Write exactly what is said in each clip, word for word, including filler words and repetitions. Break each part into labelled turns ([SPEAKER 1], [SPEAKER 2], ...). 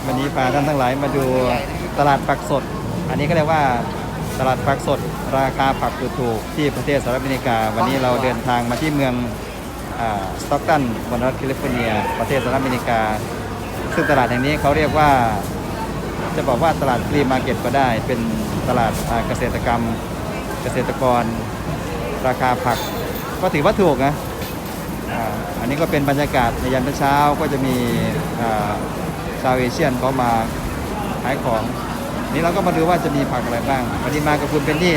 [SPEAKER 1] วันนี้พาท่านทั้งหลายมาดูตลาดผักสดอันนี้ก็เรียกว่าตลาดผักสดราคาผักถูกๆที่ประเทศสหรัฐอเมริกาวันนี้เราเดินทางมาที่เมืองสต็อกตันบนรัฐแคลิฟอร์เนียประเทศสหรัฐอเมริกาซึ่งตลาดแห่งนี้เขาเรียกว่าจะบอกว่าตลาดฟรีมาร์เก็ตก็ได้เป็นตลาดเกษตรกรรมเกษตรกรราคาผักก็ถือว่าถูกนะอันนี้ก็เป็นบรรยากาศในยามเช้าก็จะมีชาวเอเชียนเขามาขายของนี่เราก็มาดูว่าจะมีผักอะไรบ้างวันนี้มากับคุณเป็นนี่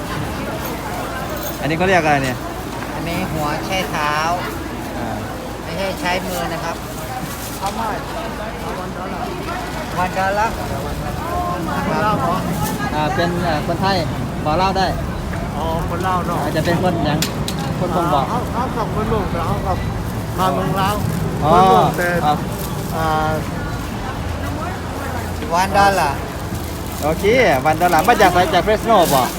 [SPEAKER 1] อันนี้เขาเรียกอะไรเนี่ย
[SPEAKER 2] อันนี้หัวแช่เท้าไม่ใช่ใช้มือนะครับเขาไม่วันดอลลาร์คนเล่าเหรอ
[SPEAKER 1] อ่าเป็นคนไทยบอกเล่าได้
[SPEAKER 2] อ๋อคนเล่าเนาะ
[SPEAKER 1] จะเป็นคนยังคนคงบอก
[SPEAKER 2] เขาเขากับคนลุงแต่เขากับมาเมืองลาว
[SPEAKER 1] อ๋อ
[SPEAKER 2] แต่วันดอลลาร์
[SPEAKER 1] โอเควันดอลลาร์มาจากสายจากเฟรสโนบอก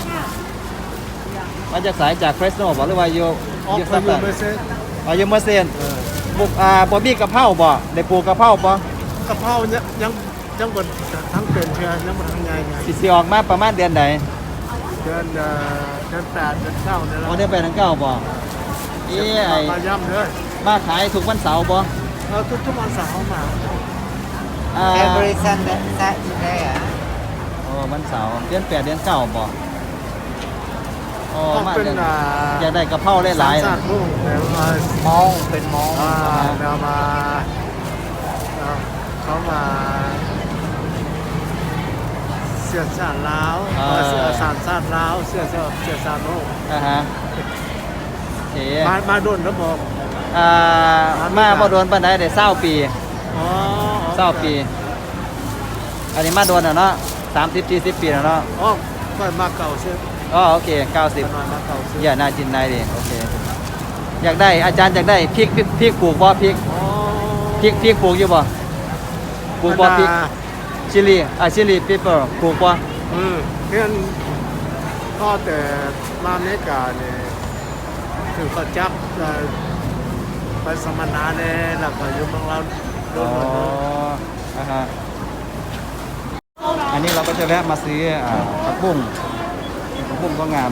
[SPEAKER 1] มาจากสายจากเฟรสโนบอกหรือว่าอยู่
[SPEAKER 2] อยู่สักแต่
[SPEAKER 1] อ๋ออยู่เมอร์เซนบุกอ่าบอบี้กะเพราบ่ได้ปลูกกะเพราบ่
[SPEAKER 2] กะเพรายังยังยังบนทั้งเป็นเพื่อนยังบนทั้งไงไง
[SPEAKER 1] สิสิออกมาประมาณเดือนไหน
[SPEAKER 2] เดือนเดือนแปดเดือนเก้าเนี่ย
[SPEAKER 1] อ๋อเดือนแปดเดือนเก้าบ่เอ้ย
[SPEAKER 2] มาย่ำเลย
[SPEAKER 1] มาขายทุกวันเสาร์บ่
[SPEAKER 2] เออทุกทุกวันเสาร์มา
[SPEAKER 1] อ่า
[SPEAKER 2] every Sunday Saturday อ่ะ
[SPEAKER 1] โอ้วันเสาร์เดือนแปดเดือนเก้าบ่โอ้มาเดือนอยากได้กะเพราหลายๆ
[SPEAKER 2] นะมองเป็นมองเรามาเขามาเสียสารล้าวเสียสารสารล้าวเสียเสียเสียสารโน่
[SPEAKER 1] อ่าฮะเอ๋
[SPEAKER 2] มามาโดนแล้วบอก
[SPEAKER 1] อ่ามาบ่โดนปานใดได้เศร้าปี
[SPEAKER 2] อ๋อ
[SPEAKER 1] เศร้าปีอันนี้มาโดนอ่ะเนาะสามสิบสี่สิบปีแล้วเนาะ
[SPEAKER 2] อ๋อก็มาเก่าใช่
[SPEAKER 1] อ๋อโอเคเก้าสิบอย่าน่าจินนายดิโอเคอยากได้อาจารย์อยากได้พริกพริกปลูกบ่พริกพริกพริกปลูกอยู่บ่ปลูกบ่พริกชิลีอ่ะชิลีเปเปอร์ปลูกบ่
[SPEAKER 2] อืมเพื่อนก็แต่มาอเมริกาเนี่ยถึงก็จับไปสมนาเนี่ยแล้วก็อยู่เมืองเรา
[SPEAKER 1] อ๋ออ่าฮะอันนี้เราก็จะแวะมาซื้อผักบุ้งผักบุ้งก็งาม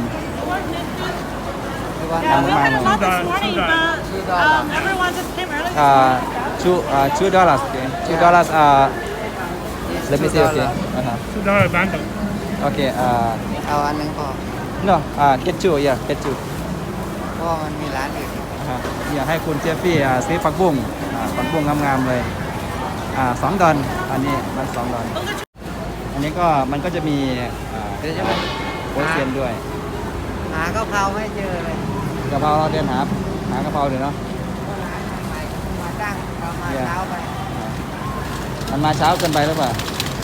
[SPEAKER 1] อ่าชูอ่าชูดอลลาร์ชูดอลลาร์อ่า let me see okay อ่าฮะ
[SPEAKER 3] ชูดอลลาร์บันด์
[SPEAKER 1] โอเคอ่า
[SPEAKER 2] เอาอันนึงพอ
[SPEAKER 1] no อ่า get two yeah get two
[SPEAKER 2] เพราะมันมีร้านอื่น
[SPEAKER 1] อ่าอยากให้คุณเจฟฟี่อ่าซื้อผักบุ้งอ่าผักบุ้งงามๆเลยอ่าสองดอนอันนี้มันสองดอนอันนี้ก็มันก็จะมีอ่าใช่ไหมโปรตีนด้วย
[SPEAKER 2] หากะเพราไม่เจอเลย
[SPEAKER 1] กะเพราเราเดินหาหากะเพราเลยเนาะ
[SPEAKER 2] มาตั้งเรามาเช้าไป
[SPEAKER 1] มันมาเช้าเกินไปหรือเปล่า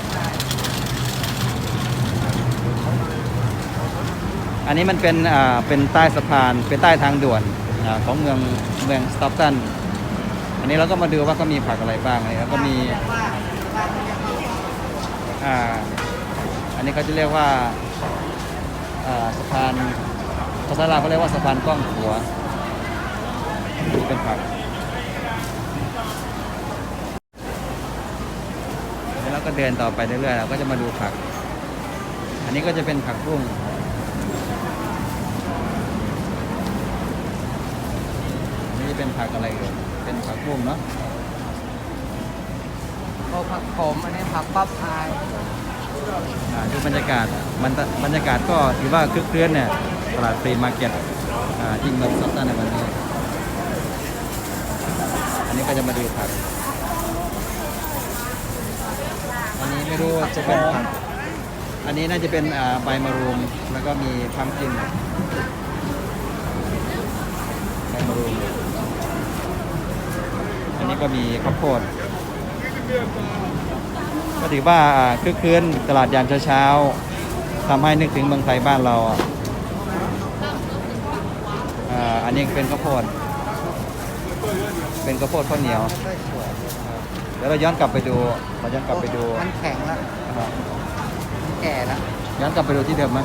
[SPEAKER 1] อันนี้มันเป็นอ่าเป็นใต้สะพานเป็นใต้ทางด่วนอ่าของเมืองเมืองสต็อกตันอันนี้เราก็มาดูว่าก็มีผักอะไรบ้างอะไรแล้วก็มีอ่าอันนี้เขาจะเรียกว่าสะพานภาษาลาวเขาเรียกว่าสะพานกล้องหัวนี่เป็นผักแล้วก็เดินต่อไปเรื่อยๆเราก็จะมาดูผักอันนี้ก็จะเป็นผักบุ้งนี่เป็นผักอะไรเอ่ยเป็นผักบุ้งเนาะ
[SPEAKER 2] โอ้ผักขมอันนี้ผักป๊อปพาย
[SPEAKER 1] ดูบรรยากาศมันบรรยากาศก็ถือว่าคึกคืนเนี่ยตลาดฟรีมาร์เก็ตที่เมืองสต็อกตันในวันนี้อันนี้ก็จะมาดูผักอันนี้ไม่รู้จะเป็นผักอันนี้น่าจะเป็นใบมะรุมแล้วก็มีพัมกินใบมะรุมอันนี้ก็มีข้าวโพดก็ถือว่าคึกคืนตลาดยามเช้าๆทำให้นึกถึงเมืองไทยบ้านเราอ่าอันนี้เป็นข้าวโพดเป็นข้าวโพดข้าวเหนียวเดี๋ยวเราย้อนกลับไปดูเราย้อนกลับไปดู
[SPEAKER 2] มันแข็งแล้วมันแก่แล้ว
[SPEAKER 1] ย้อนกลับไปดูที่เดิมไหม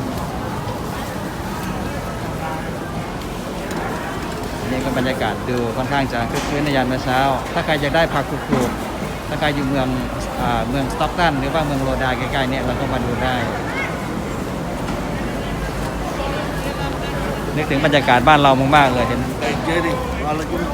[SPEAKER 1] นี่ก็บรรยากาศดูค่อนข้างจะคึกคืนในยามเช้าถ้าใครอยากได้ผักถูกๆถ้าใครอยู่เมืองอ่าเมืองสต็อกตันหรือว่าเมืองโรดาใกล้ๆเนี่ยเราก็มาดูได้นึกถึงบรรยากาศบ้านเรามากๆเลยเห็น
[SPEAKER 2] Jadi kalau pun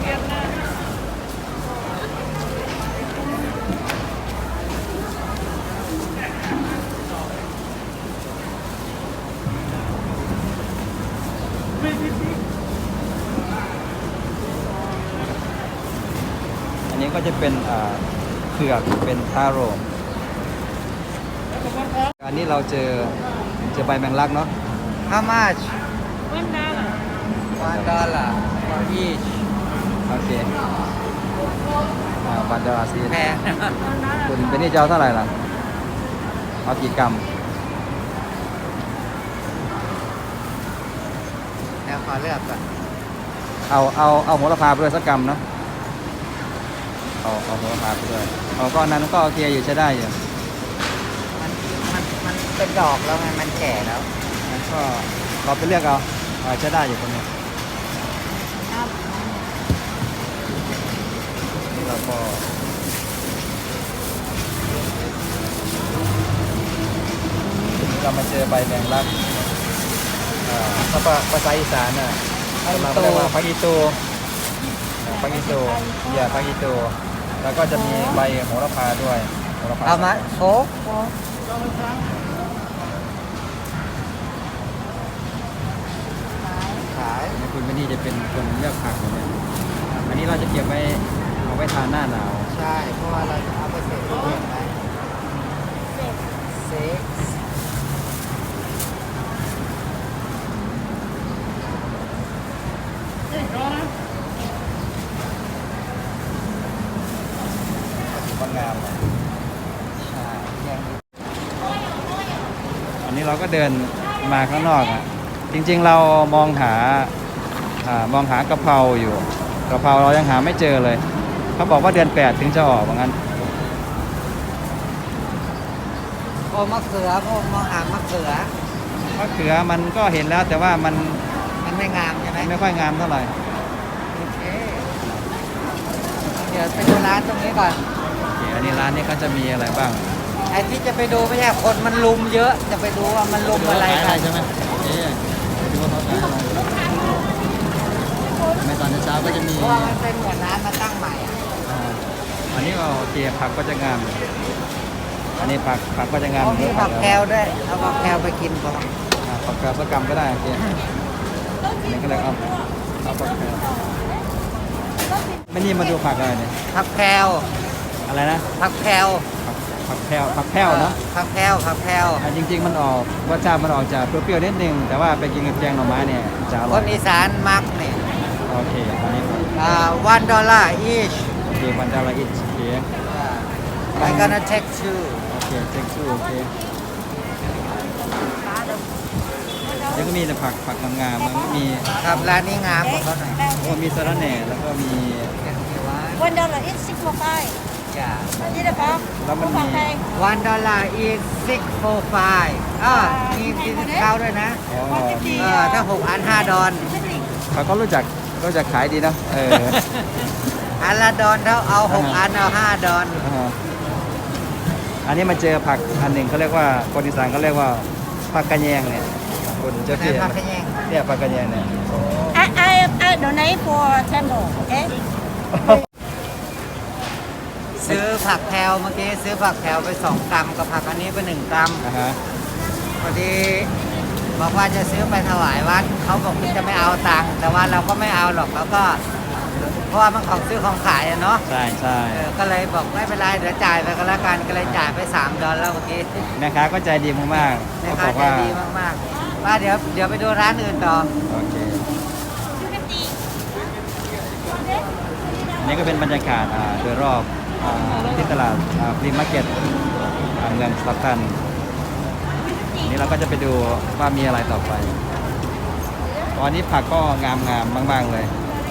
[SPEAKER 1] อันนี้ก็จะเป็นอ่าเผือกเป็นทาโร่อันนี้เราเจอเจอใบแมงลักเนาะ
[SPEAKER 3] How much?
[SPEAKER 4] One dollar.
[SPEAKER 3] One dollar for each.
[SPEAKER 1] โอเคอ่าบันดาลาซี
[SPEAKER 3] แพง
[SPEAKER 1] คุณเป็นนี่จะเอาเท่าไหร่ล่ะเอากี่กรัม
[SPEAKER 3] แล้วขอเลือกก่อน
[SPEAKER 1] เอาเอาเอาโหระพาไปด้วยสักกรัมเนาะเอาเอาโหระพาไปด้วยเอาก็อันนั้นก็โอเคอยู่ใช้ได้อยู่
[SPEAKER 3] มันมันมันเป็นดอกแล้วไงมันแก่แล้ว
[SPEAKER 1] งั้นก็เราไปเลือกเอาเอาใช้ได้อยู่ตรงนี้นี่เราก็เรามาเจอใบแมงลักอ่าถ้าภาษาอีสานน่ะเราเรียกว่าพักอีตูพักอีตูเยี่ยพักอีตูแล้วก็จะมีใบโหระพาด้วยโหระพา
[SPEAKER 3] เอามาโฟกขาย
[SPEAKER 1] คุณไม่นี่จะเป็นคนเลือกผักเนี่ยอันนี้เราจะเก็บไว้เอาไว้ทานหน้าหนาว
[SPEAKER 3] ใช่เพราะว่าเราจะเอาไปเสร็จทุเรียนไหมเซ็ก
[SPEAKER 1] ก็งาม
[SPEAKER 3] ใช่ยัง
[SPEAKER 1] อันนี้เราก็เดินมาข้างนอกอ่ะจริงๆเรามองหาอ่ามองหากะเพราอยู่กะเพราเรายังหาไม่เจอเลยเขาบอกว่าเดือนแปดถึงจะออกว่างั้น
[SPEAKER 3] โอ้มะเขือพวกมองหามะเขือ
[SPEAKER 1] มะเขือมันก็เห็นแล้วแต่ว่ามัน
[SPEAKER 3] มันไม่งามใช่ไหม
[SPEAKER 1] ไม่ค่อยงามเท่าไหร่
[SPEAKER 3] โอเคเดี๋ยวไปดูร้านตรงนี้ก่อน
[SPEAKER 1] โอเคอันนี้ร้านนี้ก็จะมีอะไรบ้าง
[SPEAKER 3] ไอ้ที่จะไปดูไม่ใช่คนมันลุมเยอะ จะไปดูว่ามันลุมอะไร
[SPEAKER 1] ขายอะไร
[SPEAKER 3] กัน
[SPEAKER 1] ใช่ไหมเอ๊ะไปดูว่าเขาขายอะไรในตอนเช้าก็จะมี
[SPEAKER 3] เพราะว่ามันเป็นเหมือนร้านมาตั้งใหม่อะ
[SPEAKER 1] อ่าอันนี้ก็โอเคผักก็จะงาม อันนี้ผักผักก็จะงาม
[SPEAKER 3] เขามีผักแคลด้วยเอาผักแคลไปกินก่อน
[SPEAKER 1] อ่าผักแคลสักกรัมก็ได้โอเคอันนี้ก็เลยเอาเอาผักแคลไม่นี่มาดูผักอะไรเนี่ย
[SPEAKER 3] ผักแคล
[SPEAKER 1] อะไรนะ
[SPEAKER 3] ผักแคล
[SPEAKER 1] ผักผักแคลผักแคลเนาะ
[SPEAKER 3] ผักแคลผักแคล
[SPEAKER 1] อ่าจริง ๆ มันออกรสชาติมันออกจากเปรี้ยวๆนิดนึงแต่ว่าไปกินกับแกงหน่อไม้เนี่ยจะอ
[SPEAKER 3] ค
[SPEAKER 1] ร่อย
[SPEAKER 3] นอีสานมักเนี่ย
[SPEAKER 1] โอเคอันนี้
[SPEAKER 3] อ่า one dollar each
[SPEAKER 1] โอเคมันจะละเอียดโอเค
[SPEAKER 3] I gonna take two
[SPEAKER 1] โอเคเซ็กซ์โอเคแล้วก็มีแต่ผักผักงามๆมันก็มี
[SPEAKER 3] ครับร้านนี้งามกว่าเขาหน่อย
[SPEAKER 1] โอ้มีสะระแหน่แล้วก็มี
[SPEAKER 3] เดี๋ยวเดี๋ยวว่า
[SPEAKER 4] One dollar is six for five.
[SPEAKER 3] อย่า
[SPEAKER 4] Đi được không?
[SPEAKER 1] Lắm
[SPEAKER 4] Không
[SPEAKER 1] anh
[SPEAKER 4] bằng
[SPEAKER 1] nhỉ?
[SPEAKER 4] đây.
[SPEAKER 3] one dollar is six for five อ่ามีดิสคาวด้วยนะ
[SPEAKER 1] อ๋อ
[SPEAKER 3] เออถ้าหกอันห้าดอน
[SPEAKER 1] เขาก็รู้จักรู้จักขายดีเนอะเออ
[SPEAKER 3] อันละดอนเท่าเอาหกอันเอาห้าดอน
[SPEAKER 1] อ่าอันนี้มาเจอผักอันหนึ่งเขาเรียกว่าคนอีสานเขาเรียกว่าผักกระแยงเนี่ยคนเจ้า
[SPEAKER 3] ใน
[SPEAKER 1] พี่
[SPEAKER 3] ผักขะแยง
[SPEAKER 1] เนี่ยผักกระแยงเนี่ย
[SPEAKER 4] I I I donate for temple. Okay.
[SPEAKER 3] ซื้อผักแพลวเมื่อกี้ซื้อผักแพลวไปสองกรัมกับผักอันนี้ไปหนึ่งกรัม
[SPEAKER 1] นะฮะ
[SPEAKER 3] พอดีบอกว่าจะซื้อไปถวายวัดเขาบอกว่าจะไม่เอาตังค์แต่ว่าเราก็ไม่เอาหรอกเราก็ เพราะว่ามันของซื้อของขายอะเนาะ
[SPEAKER 1] ใช่ใช่
[SPEAKER 3] เออก็เลยบอกไม่เป็นไรเดี๋ยวจ่ายไปก็แล้วกันก็เลยจ่ายไปสามดอลแล้วเมื่อกี้
[SPEAKER 1] แม่ค้าก็ใจดีมากๆ
[SPEAKER 3] แม่
[SPEAKER 1] เขาบ
[SPEAKER 3] ค้า
[SPEAKER 1] อก
[SPEAKER 3] ใจ
[SPEAKER 1] ว่า
[SPEAKER 3] ดีมากๆว่าเดี๋ยวเดี๋ยวไปดูร้านอื่นต่อ
[SPEAKER 1] โอเคอันนี้ก็เป็นบรรยากาศอ่าโดยรอบอ่าที่ตลาดฟรีมาร์เก็ตเมืองสต็อกตันนี่เราก็จะไปดูว่ามีอะไรต่อไป ตอนนี้ผักก็งามๆมากๆเลย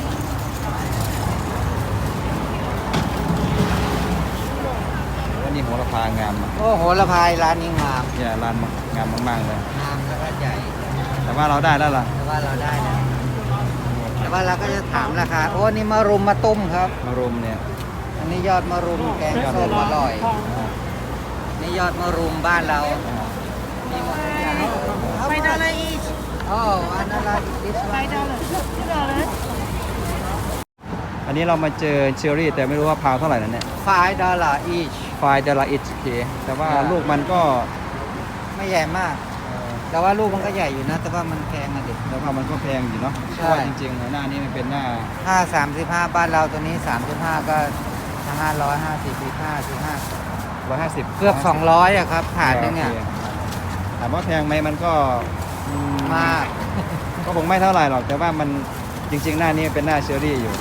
[SPEAKER 1] อันนี้โหระพางามอะ
[SPEAKER 3] โอ้โหละพายร้านนี้งาม
[SPEAKER 1] เนี่ยร้านงามมากๆเลย
[SPEAKER 3] งามแล้วก็ใหญ่
[SPEAKER 1] แต่ว่าเราได้แล้วล่ะ
[SPEAKER 3] แต่ว่าเราได้นะแต่ว่าเราก็จะถามราคาโอ้นี่มารุมมาตุ้มครับ
[SPEAKER 1] มารุมเนี่ย
[SPEAKER 3] อันนี่ยอดมะรุมแกงส้มอร่อย นี่ยอดมะรุมบ้านเรา มีหมดทุกอย่าง
[SPEAKER 4] Five dollar each.
[SPEAKER 3] โอ้อันนั้นละดิส
[SPEAKER 4] Five dollar. Two dollars.
[SPEAKER 1] อันนี้เรามาเจอเชอรี่แต่ไม่รู้ว่าพาวเท่าไหร่นั่นเนี่ย
[SPEAKER 3] five dollar each
[SPEAKER 1] ไฟเดลาอิชเคแต่ว่า
[SPEAKER 3] อ่า
[SPEAKER 1] ลูกมันก็
[SPEAKER 3] ไม่ใหญ่มาก แต่ว่าลูกมันก็ใหญ่อยู่นะ แต่ว่ามันแพงอะดิ
[SPEAKER 1] แล้วก็มันก็แพงอยู่เนาะเพ
[SPEAKER 3] ใช่
[SPEAKER 1] ราะว่าจริงๆหน้านี้มันเป็นหน้า
[SPEAKER 3] ถ้าสามสิบห้าบ้านเราตัวนี้สามสิบห้าก็ห้าร้อยห้าสิบห้าสิบห้า
[SPEAKER 1] ร้อยห้าสิบ
[SPEAKER 3] เกือบสองร้อยอะครับถาดนึงเนี่ย
[SPEAKER 1] ถามว่าแพงไหมมันก็อื
[SPEAKER 3] มาก
[SPEAKER 1] ก็คงไม่เท่าไหร่หรอก แต่ว่ามันจริง ๆ หน้านี้เป็นหน้าเชอรี่อยู่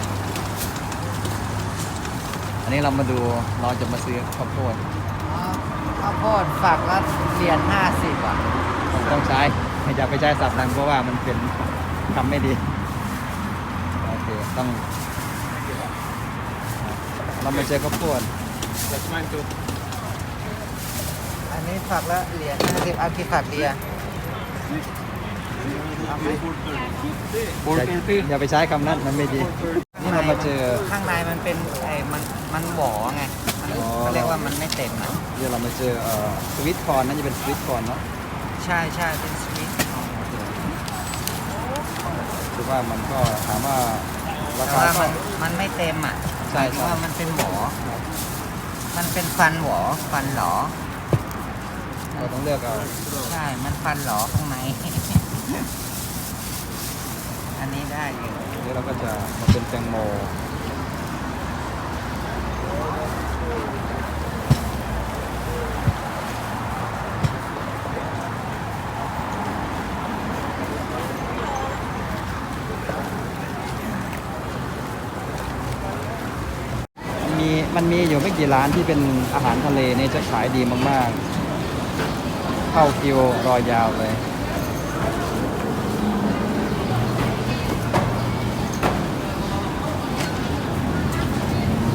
[SPEAKER 1] อันนี้เรามาดูเราจะมาซื้อข้าวโพด
[SPEAKER 3] อ๋อข้าวโพดฝักละเหรียญห้าสิบอ่ะ
[SPEAKER 1] ต้องใช้อย่าไปใช้สับนั้นเพราะว่ามันเป็นทำไม่ดีโอเคต้องเรามาเจอข้าวโพด
[SPEAKER 2] That's mine too.
[SPEAKER 3] อันนี้ฝักละเหรียญห้าสิบเอากี่ฝักดีอะ
[SPEAKER 1] อย่าอย่าไปใช้คำนั้นมันไม่ดี นี่เรามาเจอ
[SPEAKER 3] ข้างในมันเป็นไอ้มันมันหวอไงมัน
[SPEAKER 1] อ๋อ
[SPEAKER 3] เขาเรียกว่ามันไม่เต็มอ่ะ
[SPEAKER 1] เดี๋ยวเรามาเจอเอ่อสวิตคอร์นนั่นจะเป็นสวิตคอร์นเนาะ
[SPEAKER 3] ใช่ใช่เป็นสวีท
[SPEAKER 1] คือว่ามันก็ถามว่ารา
[SPEAKER 3] แต่
[SPEAKER 1] คา
[SPEAKER 3] ว่า
[SPEAKER 1] ก็
[SPEAKER 3] มันมันไม่เต็มอ่ะ
[SPEAKER 1] ใช่
[SPEAKER 3] หมายถึง
[SPEAKER 1] ใช่
[SPEAKER 3] ว่ามันเป็นหวอมันเป็นฟันหวอฟันหลอ
[SPEAKER 1] เราต้องเลือกเอา
[SPEAKER 3] ใช่ มันฟันหลอข้างใน อันนี้ได้อยู่
[SPEAKER 1] เดี๋ยวเราก็จะมาเป็นแตงโมมันมีมันมีอยู่ไม่กี่ร้านที่เป็นอาหารทะเลเนี่ยจะขายดีมากๆ เข้าคิวรอยาวเลย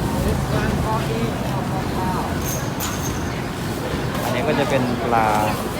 [SPEAKER 1] อันนี้ก็จะเป็นปลา